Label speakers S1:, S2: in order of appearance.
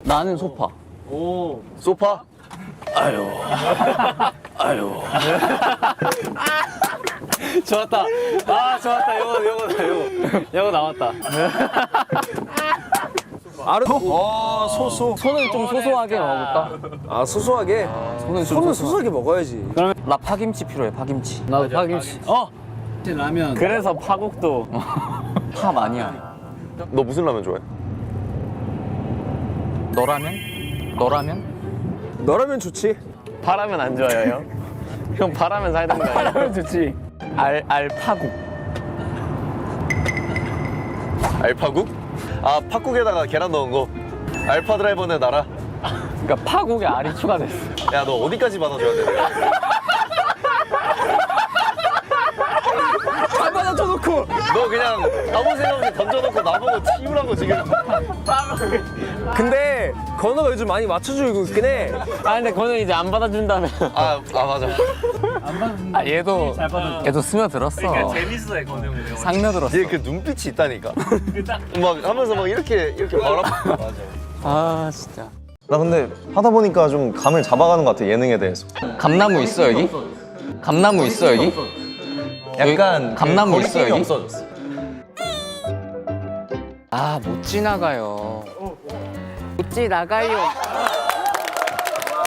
S1: 나는 소파.
S2: 소파?
S1: 아유. 좋았다. 아, 좋았다. 요거 나왔다.
S2: 소소.
S1: 손을 좀 소소하게 먹어볼까?
S2: 아, 소소하게?
S1: 손은
S2: 손은 소소하게 먹어야지.
S1: 그러면 나 파김치 필요해, 파김치. 나도 파김치.
S3: 라면.
S1: 그래서 파국도 파 많이야.
S2: 너 무슨 라면 좋아해?
S1: 너라면?
S2: 너라면 좋지.
S1: 파라면 안 좋아요, 형? 형 파라면 살던가. 파라면 좋지. 알파국.
S2: 알파국? 아, 팥국에다가 계란 넣은 거. 알파 드라이버네 나라.
S1: 그러니까 파국에 알이 추가됐어.
S2: 야, 너 어디까지 받아줘야 돼? 안 받아줘놓고. 너 그냥 아무 생각 없이 던져놓고 나보고 치우라고 지금. 근데 건우가 요즘 많이 맞춰주고 있긴 해.
S1: 아, 근데 그거는 이제 안 받아준다며.
S2: 아 맞아.
S1: 아, 얘도 스며들었어.
S3: 그러니까 재밌어해 건우 형.
S1: 상며들었어.
S2: 얘 그 눈빛이 있다니까. 막 하면서 막 이렇게 바라. 맞아.
S1: 아, 진짜.
S4: 나 근데 하다 보니까 좀 감을 잡아가는 것 같아, 예능에 대해서.
S1: 감나무 있어, 여기? 감나무 있어, 여기?
S4: 약간
S1: 감나무
S4: 그
S1: 있어,
S4: 거리낌이
S1: 여기?
S4: 없어졌어.
S1: 아, 못 지나가요. 못 지나가요.